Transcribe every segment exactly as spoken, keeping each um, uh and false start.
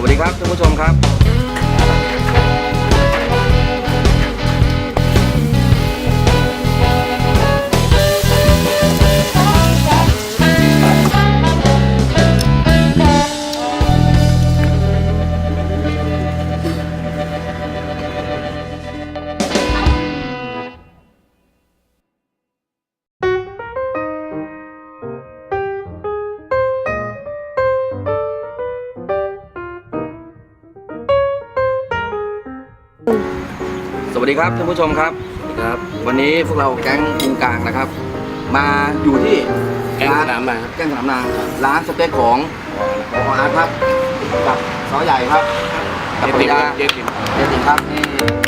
วัสดีครับท่านผู้ชมครับสวัสดีครับท่านผู้ชมครับครับวันนี้พวกเราแก๊งกรุงกลางนะครับมาอยู่ที่แก๊งสนามนางแก๊งสนามนางร้านสเต็กของพออาร์ตครับกับซอใหญ่ครับกับภรรยาเจติมเจติมครับนี่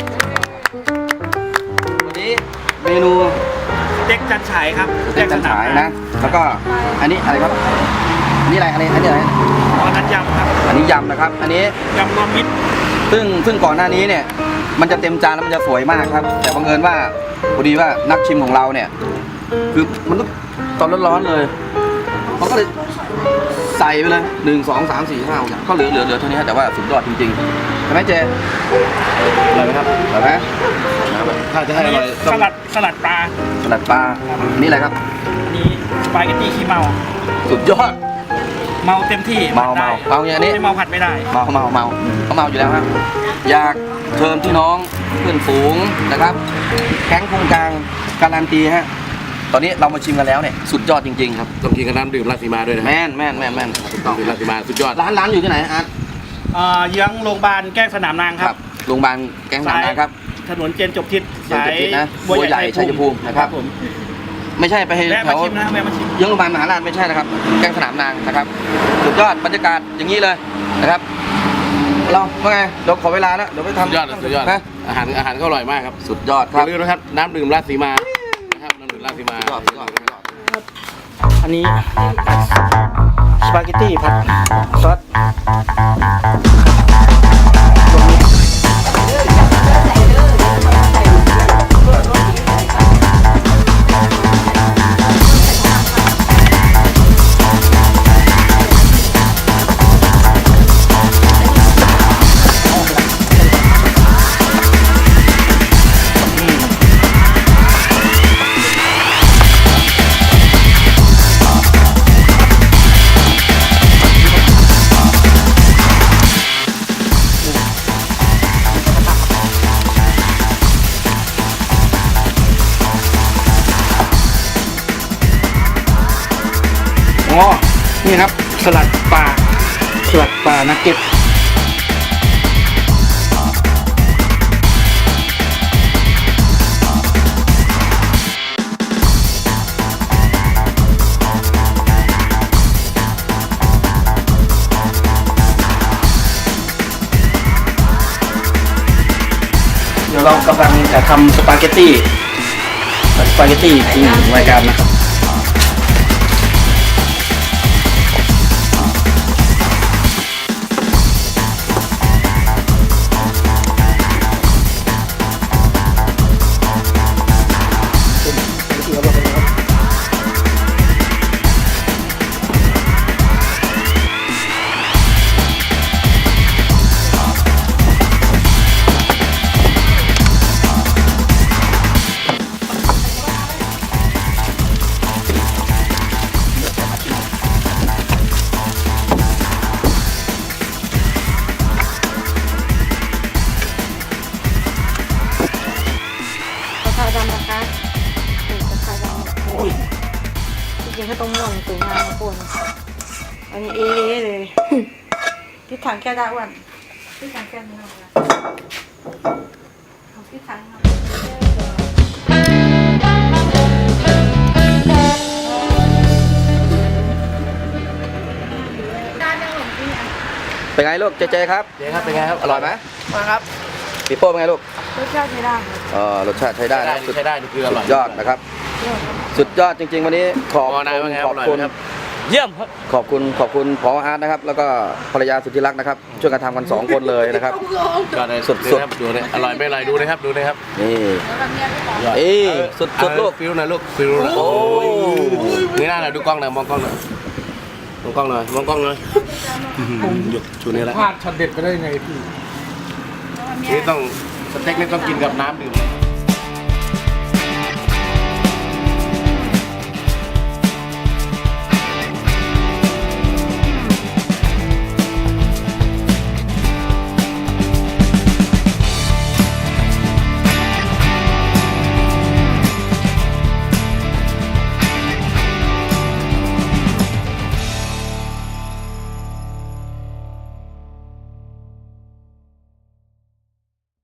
วันนี้เมนูสเต็กจันฉายครับสเต็กจันฉายนะแล้วก็อันนี้อะไรครับอันนี้อะไรอันนี้อันนี้อะไรอ๋อนั้นยำครับอันนี้ยำนะครับอันนี้ยำรวมมิตรซึ่งซึ่งก่อนหน้านี้เนี่ยมันจะเต็มจานแล้วมันจะสวยมากครับแต่บังเอิญว่าพอดีว่านักชิมของเราเนี่ยคือมันต้องตอนร้อนๆเลยมันก็เลยใส่ไปเลยหนึ่งสองสามสี่ห้าก็เหลือเหลือเหลือเท่านี้แต่ว่าสุดยอดจริงๆใช่ไหมเจอร่อยไหมครับอร่อยไหมถ้าจะให้อร่อยสลัดสลัดปลาสลัดปลานี่อะไรครับอันนี้สปาเกตตี้ขี้เมาสุดยอดเมาเต็มที่เมาเมาเมาอย่างนี้ไม่เมาผัดไม่ได้เมาเมาเมาเขาเมาอยู่แล้วครับอยากเชิญพี่น้องเพื่อนฝูงนะครับแก๊งกรุงกลางการันตีฮะตอนนี้เรามาชิมกันแล้วเนี่ยสุดยอดจริงๆครับต้องกินกับน้ำดื่มราศีมาด้วยนะแม่นแม่นแม่นแม่นถูกต้องดื่มราศีมาสุดยอดร้านร้านอยู่ที่ไหนอาร์ตเอ่อเยื้องโรงพยาบาลแก้งสนามนางครับโรงพยาบาลแก๊งสนามนางครับถนนเจนจบทิศเจนจบทิศนะบัวใหญ่ชัยภูมินะครับผมไม่ใช่ไปแวะแถมาว ชิมนะแวะมาชิมเยื้องโรงพยาบาลมหาราชไม่ใช่นะครับแก๊งสนามนางนะครับสุดยอดบรรยากาศอย่างนี้เลยนะครับเราว่าไงเดี๋ยวขอเวลาแล้วเดี๋ยวไปทำสุดยอดสุดยอดนะอาหารอาหารก็อร่อยมากครับสุดยอดอครับย่าลืมนะครับน้ำดื่มราศีมานะครับน้ำดื่มราศีมาสุดยอดสุดยอดสุดยอดอันนี้สปาเกตตี้ผัดซอสรวมมิตร อ๋อ นี่ครับสลัดปลาสลัดปลานักเก็ตเดี๋ยวเรากำลังจะทำสปาเกตตี้สปาเกตตี้ที่รายการนะครับกระเพราดำนะคะถูกกระเพราดำจริงๆก็ต้องม่วงสวยงามนะคุณอันนี้เอ๊ะเลยที่ถังแก้วได้อ้วนที่ถังแก้วนี่เอาละเอาที่ถังเอาได้ได้หมดที่อ่ะเป็นไงลูกเจเจครับเจ๊ครับเป็นไงครับอร่อยไหมมาครับปีโป้เป็นไงลูกรสชาติใช้ได้ครับเออรสชาติใช้ได้นะสุดใช้ได้นี่คืออร่อยยอดนะครับ สุดยอดจริง ๆ วันนี้ขอบพอนายว่าไงขออบร่อยคุณไหมครับเยี่ยมครับขอบคุณขอบคุณพออาร์ตนะครับ แล้วก็ภรรยาสุดที่รักนะครับ ช่วยกันทำกันสองคนเลยนะครับยอดเลยสุดๆดูนะครับดูเลยอร่อยไม่อร่อยดูนะครับดูนะครับนี่ยอดเอ้ยสุดสุดเอาลูกฟิวหน่อยลูกฟิวหน่อยโอ้นี่หน้าหน่อยดูกล้องหน่อยมองกล้องหน่อยมองกล้องหน่อยมองกล้องหน่อยหยุดชูนี่แล้วพลาดช็อตเด็ดไปได้ยังไงพี่นี่ต้องสเต็กนี่ต้องกินกับน้ำดื่ม